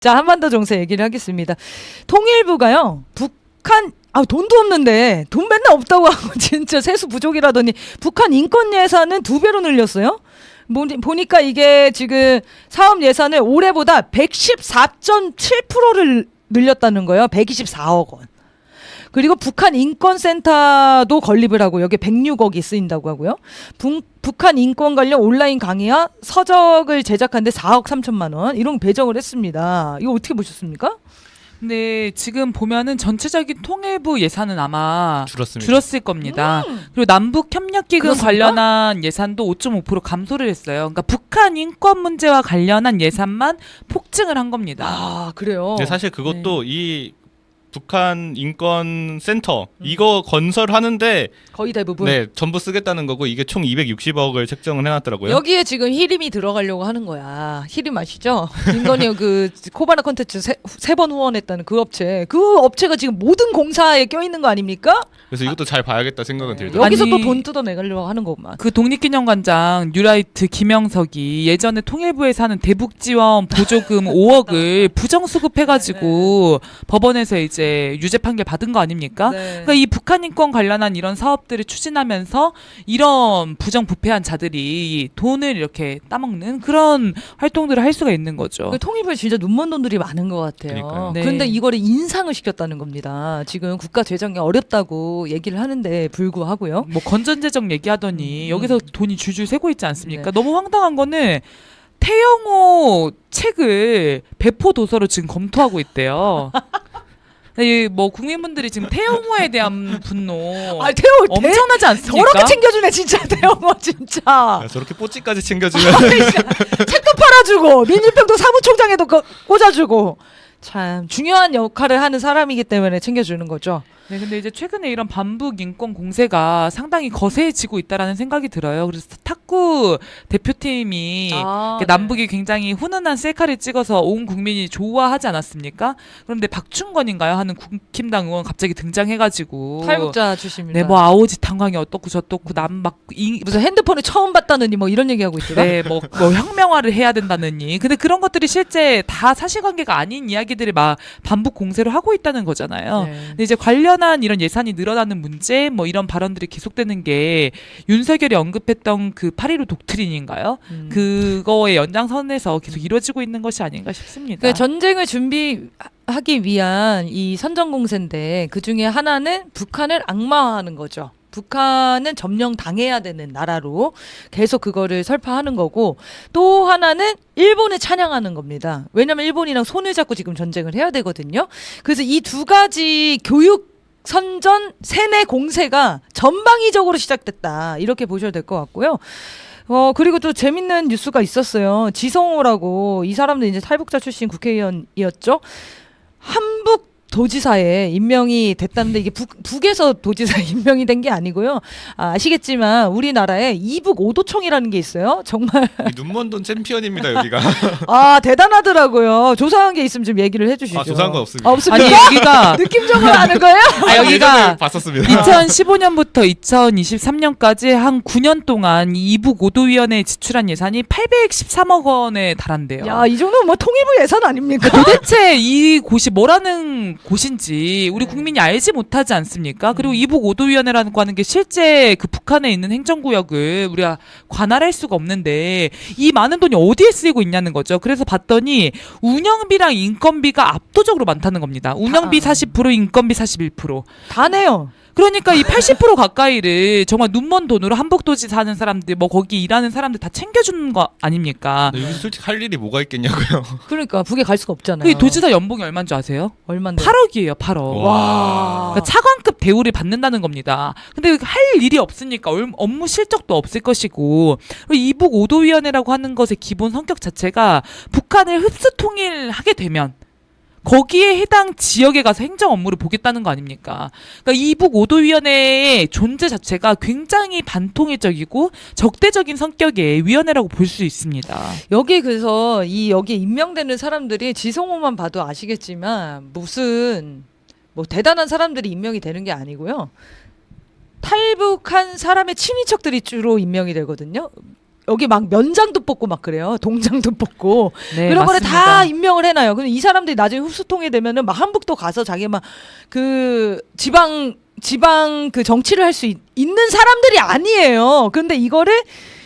자, 한반도 정세 얘기를 하겠습니다. 통일부가요, 북한 돈도 없는데 돈 맨날 없다고 하고 진짜 세수 부족이라더니 북한 인권 예산은 2배로 늘렸어요. 보니까 이게 지금 사업 예산을 올해보다 114.7%를 늘렸다는 거예요. 124억 원. 그리고 북한 인권센터도 건립을 하고 여기에 106억이 쓰인다고 하고요. 북한 인권 관련 온라인 강의와 서적을 제작하는데 4억 3천만 원 이런 거 배정을 했습니다. 이거 어떻게 보셨습니까? 근데 지금 보면은 전체적인 통일부 예산은 아마 줄었습니다. 줄었을 겁니다. 그리고 남북 협력기금 그렇습니까? 관련한 예산도 5.5% 감소를 했어요. 그러니까 북한 인권 문제와 관련한 예산만 폭증을 한 겁니다. 아, 그래요? 근데 사실 그것도 이 북한 인권 센터 이거 건설하는데 거의 대부분. 네 전부 쓰겠다는 거고 이게 총 260억을 책정을 해놨더라고요. 여기에 지금 히림이 들어가려고 하는 거야. 히림 아시죠? 김건희 그 코바나 콘텐츠 세 번 후원했다는 그 업체. 그 업체가 지금 모든 공사에 껴있는 거 아닙니까? 그래서 이것도 잘 봐야겠다 생각은 들더라고요. 여기서 아니, 또 돈 뜯어내려고 하는 거구만. 그 독립기념관장 뉴라이트 김영석이 예전에 통일부에서 하는 대북지원 보조금 5억을 부정수급해가지고 법원에서 이제 유죄 판결 받은 거 아닙니까? 네. 그러니까 이 북한 인권 관련한 이런 사업들을 추진하면서 이런 부정부패한 자들이 돈을 이렇게 따먹는 그런 활동들을 할 수가 있는 거죠. 그 통일부에 진짜 눈먼 돈들이 많은 것 같아요. 그러니까요. 네. 그런데 이거를 인상을 시켰다는 겁니다. 지금 국가 재정이 어렵다고 얘기를 하는데 불구하고요. 뭐 건전재정 얘기하더니 여기서 돈이 줄줄 새고 있지 않습니까? 네. 너무 황당한 거는 태영호 책을 배포 도서로 지금 검토하고 있대요. 뭐 국민분들이 지금 태영호에 대한 분노 태호 엄청나지 않습니까? 저렇게 챙겨주네 진짜 태호가 진짜. 야, 저렇게 뽀찌까지 챙겨주면 책도 팔아주고 민주평도 사무총장에도 꽂아주고 참 중요한 역할을 하는 사람이기 때문에 챙겨주는 거죠. 네, 근데 이제 최근에 이런 반북 인권 공세가 상당히 거세지고 있다라는 생각이 들어요. 그래서 탁구 대표팀이 네. 남북이 굉장히 훈훈한 셀카를 찍어서 온 국민이 좋아하지 않았습니까? 그런데 박충건인가요? 하는 국힘당 의원 갑자기 등장해가지고 탈북자 출신입니다. 네, 뭐 아오지 탄광이 어떻고 저떻고 무슨 핸드폰을 처음 봤다느니 뭐 이런 얘기하고 있더라. 네, 뭐 혁명화를 해야 된다느니. 근데 그런 것들이 실제 다 사실관계가 아닌 이야기들을 막 반복 공세를 하고 있다는 거잖아요. 네. 근데 이제 관련한 이런 예산이 늘어나는 문제, 뭐 이런 발언들이 계속되는 게 윤석열이 언급했던 그 8.15 독트린인가요? 그거의 연장선에서 계속 이루어지고 있는 것이 아닌가 싶습니다. 그러니까 전쟁을 준비하기 위한 이 선전공세인데 그 중에 하나는 북한을 악마화하는 거죠. 북한은 점령당해야 되는 나라로 계속 그거를 설파하는 거고 또 하나는 일본을 찬양하는 겁니다. 왜냐하면 일본이랑 손을 잡고 지금 전쟁을 해야 되거든요. 그래서 이 두 가지 교육 선전 세뇌 공세가 전방위적으로 시작됐다. 이렇게 보셔야 될 것 같고요. 그리고 또 재밌는 뉴스가 있었어요. 지성호라고 이 사람도 이제 탈북자 출신 국회의원이었죠. 한북 도지사에 임명이 됐다는데 이게 북에서 도지사에 임명이 된 게 아니고요. 아시겠지만 우리나라에 이북 오도청이라는 게 있어요. 정말 눈먼 돈 챔피언입니다 여기가. 대단하더라고요. 조사한 게 있으면 좀 얘기를 해주시죠. 조사한 건 없습니다. 없습니까? 아니 여기가 느낌적으로 아는 거예요? 여기가 봤었습니다. 2015년부터 2023년까지 한 9년 동안 이북 오도위원회에 지출한 예산이 813억 원에 달한대요. 야, 이 정도면 뭐 통일부 예산 아닙니까? 도대체 이 곳이 뭐라는 곳인지 우리 국민이 알지 못하지 않습니까? 그리고 이북 오도위원회라는 거 하는 게 실제 그 북한에 있는 행정구역을 우리가 관할할 수가 없는데 이 많은 돈이 어디에 쓰이고 있냐는 거죠. 그래서 봤더니 운영비랑 인건비가 압도적으로 많다는 겁니다. 운영비 40%, 인건비 41%. 다 내요. 그러니까 이 80% 가까이를 정말 눈먼 돈으로 한북도시 사는 사람들, 뭐 거기 일하는 사람들 다 챙겨주는 거 아닙니까? 여기 솔직히 할 일이 뭐가 있겠냐고요. 그러니까 북에 갈 수가 없잖아요. 그 도지사 연봉이 얼마인 줄 아세요? 얼마인데? 8억이에요, 8억. 와. 그러니까 차관급 대우를 받는다는 겁니다. 근데 할 일이 없으니까 업무 실적도 없을 것이고 이북 오도위원회라고 하는 것의 기본 성격 자체가 북한을 흡수 통일하게 되면 거기에 해당 지역에 가서 행정 업무를 보겠다는 거 아닙니까? 그러니까 이북 오도위원회의 존재 자체가 굉장히 반통일적이고 적대적인 성격의 위원회라고 볼 수 있습니다. 여기 그래서 여기에 임명되는 사람들이 지성호만 봐도 아시겠지만 무슨 뭐 대단한 사람들이 임명이 되는 게 아니고요. 탈북한 사람의 친인척들이 주로 임명이 되거든요. 여기 막 면장도 뽑고 막 그래요. 동장도 뽑고. 네, 그런 거를 맞습니다. 다 임명을 해놔요. 근데 이 사람들이 나중에 흡수통이 되면은 막 한북도 가서 자기 막 그 지방 그 정치를 할 수 있는 사람들이 아니에요. 근데 이거를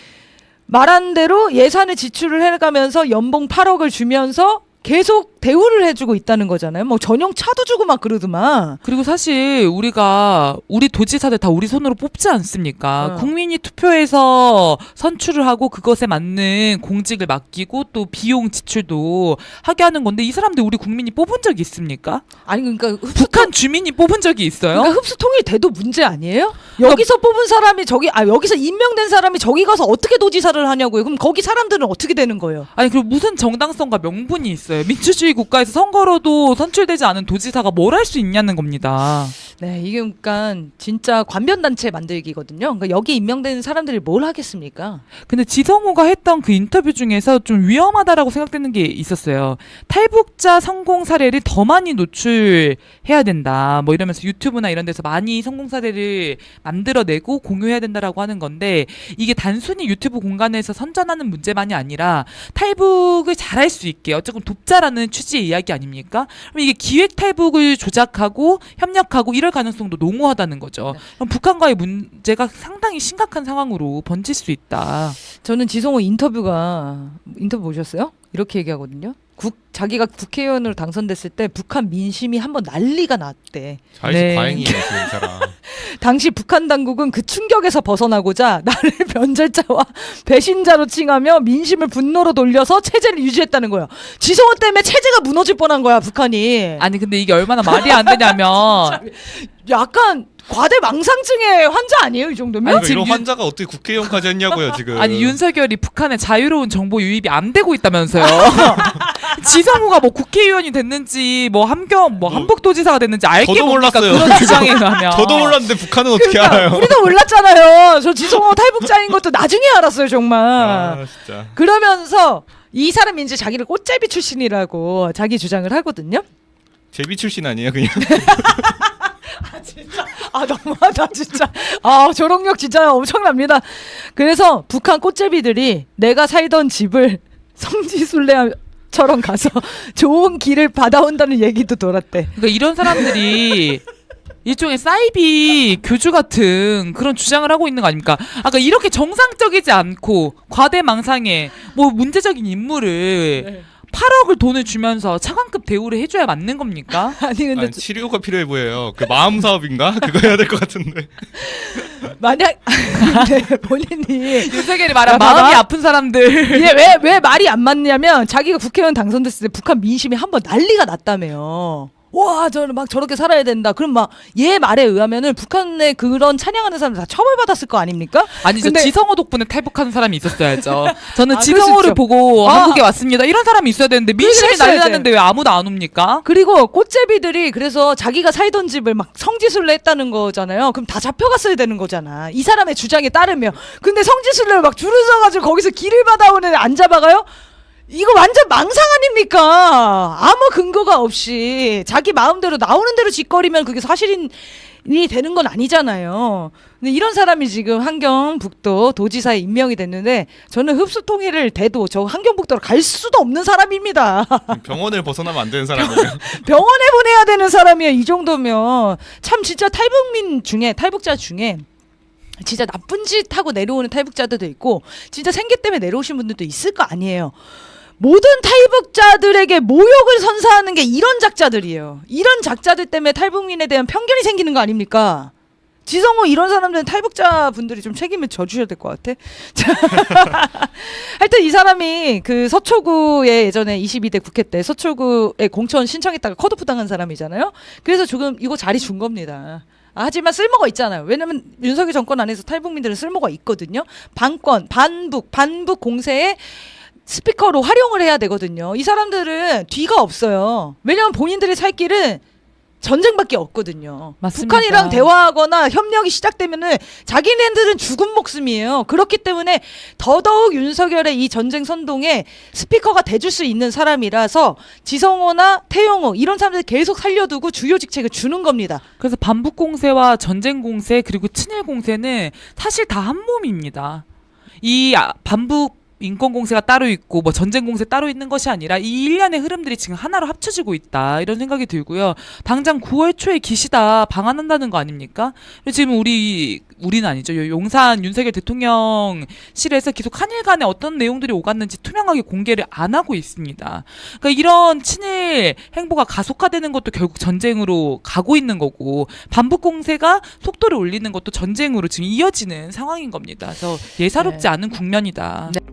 말한 대로 예산을 지출을 해가면서 연봉 8억을 주면서 계속 대우를 해주고 있다는 거잖아요. 뭐 전용 차도 주고 막 그러더만. 그리고 사실 우리가 우리 도지사들 다 우리 손으로 뽑지 않습니까? 어. 국민이 투표해서 선출을 하고 그것에 맞는 공직을 맡기고 또 비용 지출도 하게 하는 건데 이 사람들 우리 국민이 뽑은 적이 있습니까? 아니 그러니까 북한 주민이 뽑은 적이 있어요? 그러니까 흡수통이 돼도 문제 아니에요? 여기서 뽑은 사람이 여기서 임명된 사람이 저기 가서 어떻게 도지사를 하냐고요. 그럼 거기 사람들은 어떻게 되는 거예요? 아니 그리고 무슨 정당성과 명분이 있어요? 민주주의 국가에서 선거로도 선출되지 않은 도지사가 뭘 할 수 있냐는 겁니다. 네, 이게 그러니까 진짜 관변단체 만들기거든요. 그러니까 여기 임명된 사람들이 뭘 하겠습니까? 근데 지성호가 했던 그 인터뷰 중에서 좀 위험하다라고 생각되는 게 있었어요. 탈북자 성공 사례를 더 많이 노출해야 된다. 뭐 이러면서 유튜브나 이런 데서 많이 성공 사례를 만들어내고 공유해야 된다라고 하는 건데 이게 단순히 유튜브 공간에서 선전하는 문제만이 아니라 탈북을 잘할 수 있게 어쨌든 돕자라는 취지의 이야기 아닙니까? 그럼 이게 기획 탈북을 조작하고 협력하고 이럴 가능성도 농후하다는 거죠. 네. 그럼 북한과의 문제가 상당히 심각한 상황으로 번질 수 있다. 저는 지성호 인터뷰 보셨어요? 이렇게 얘기하거든요. 자기가 국회의원으로 당선됐을 때 북한 민심이 한번 난리가 났대. 자의식 네. 과잉이에요 지금 이 사람. 당시 북한 당국은 그 충격에서 벗어나고자 나를 변절자와 배신자로 칭하며 민심을 분노로 돌려서 체제를 유지했다는 거예요. 지성호 때문에 체제가 무너질 뻔한 거야 북한이. 아니 근데 이게 얼마나 말이 안 되냐면 약간 과대망상증의 환자 아니에요 이 정도면? 그러니까 지금 이런 환자가 어떻게 국회의원까지 했냐고요 지금. 아니 윤석열이 북한의 자유로운 정보 유입이 안 되고 있다면서요. 지성호가 뭐 국회의원이 됐는지 뭐 한북도지사가 됐는지 알게 저도 뭡니까? 몰랐어요. 그런 주장에 의하면. 저도 몰랐는데 북한은 어떻게 그러니까 알아요? 우리도 몰랐잖아요. 저 지성호 탈북자인 것도 나중에 알았어요 정말. 아 진짜. 그러면서 이 사람이 이제 자기를 꽃제비 출신이라고 자기 주장을 하거든요. 제비 출신 아니에요 그냥. 진짜 너무하다 진짜. 조롱력 진짜 엄청납니다. 그래서 북한 꽃제비들이 내가 살던 집을 성지순례처럼 가서 좋은 길을 받아온다는 얘기도 돌았대. 그러니까 이런 사람들이 일종의 사이비 교주 같은 그런 주장을 하고 있는 거 아닙니까? 아까 이렇게 정상적이지 않고 과대망상에 뭐 문제적인 인물을 8억을 돈을 주면서 차관급 대우를 해줘야 맞는 겁니까? 아니 근데 아니, 치료가 필요해 보여요. 그 마음 사업인가? 그거 해야 될 것 같은데. 만약 근데 본인이 윤석열이 말한 야, 봐봐. 마음이 아픈 사람들. 이게 왜 말이 안 맞냐면 자기가 국회의원 당선됐을 때 북한 민심이 한번 난리가 났다며요. 와, 저는 막 저렇게 살아야 된다. 그럼 막 얘 말에 의하면은 북한의 그런 찬양하는 사람들 다 처벌받았을 거 아닙니까? 아니 저 근데- 지성호 덕분에 탈북하는 사람이 있었어야죠. 저는 아, 지성호를 그럴 수 보고 아. 한국에 왔습니다. 이런 사람이 있어야 되는데 민심이 했어야 난리 돼. 났는데 왜 아무도 안 옵니까? 그리고 꽃제비들이 그래서 자기가 살던 집을 막 성지순례 했다는 거잖아요. 그럼 다 잡혀갔어야 되는 거잖아. 이 사람의 주장에 따르면. 근데 성지순례를 막 줄을 서가지고 거기서 길을 받아오는 애 안 잡아가요? 이거 완전 망상 아닙니까? 아무 근거가 없이 자기 마음대로 나오는 대로 짓거리면 그게 사실이 되는 건 아니잖아요. 근데 이런 사람이 지금 한경북도 도지사에 임명이 됐는데 저는 흡수통일을 돼도 저 한경북도로 갈 수도 없는 사람입니다. 병원을 벗어나면 안 되는 사람이에요. 병원에 보내야 되는 사람이에요. 이 정도면 참 진짜 탈북자 중에 진짜 나쁜 짓 하고 내려오는 탈북자들도 있고 진짜 생계 때문에 내려오신 분들도 있을 거 아니에요. 모든 탈북자들에게 모욕을 선사하는 게 이런 작자들이에요. 이런 작자들 때문에 탈북민에 대한 편견이 생기는 거 아닙니까? 지성호 이런 사람들은 탈북자 분들이 좀 책임을 져주셔야 될 것 같아. 하여튼 이 사람이 그 서초구에 예전에 22대 국회 때 서초구에 공천 신청했다가 컷오프 당한 사람이잖아요. 그래서 조금 이거 자리 준 겁니다. 하지만 쓸모가 있잖아요. 왜냐면 윤석열 정권 안에서 탈북민들은 쓸모가 있거든요. 반북 공세에 스피커로 활용을 해야 되거든요. 이 사람들은 뒤가 없어요. 왜냐면 본인들의 살 길은 전쟁밖에 없거든요. 맞습니다. 북한이랑 대화하거나 협력이 시작되면은 자기네들은 죽은 목숨이에요. 그렇기 때문에 더더욱 윤석열의 이 전쟁 선동에 스피커가 돼줄 수 있는 사람이라서 지성호나 태영호 이런 사람들 계속 살려두고 주요 직책을 주는 겁니다. 그래서 반북 공세와 전쟁 공세 그리고 친일 공세는 사실 다 한 몸입니다. 이 반북 인권 공세가 따로 있고 뭐 전쟁 공세 따로 있는 것이 아니라 이 일련의 흐름들이 지금 하나로 합쳐지고 있다 이런 생각이 들고요. 당장 9월 초에 기시다 방한한다는 거 아닙니까? 지금 우리는 아니죠. 용산 윤석열 대통령실에서 계속 한일 간에 어떤 내용들이 오갔는지 투명하게 공개를 안 하고 있습니다. 그러니까 이런 친일 행보가 가속화되는 것도 결국 전쟁으로 가고 있는 거고 반북 공세가 속도를 올리는 것도 전쟁으로 지금 이어지는 상황인 겁니다. 그래서 예사롭지 네. 않은 국면이다. 네.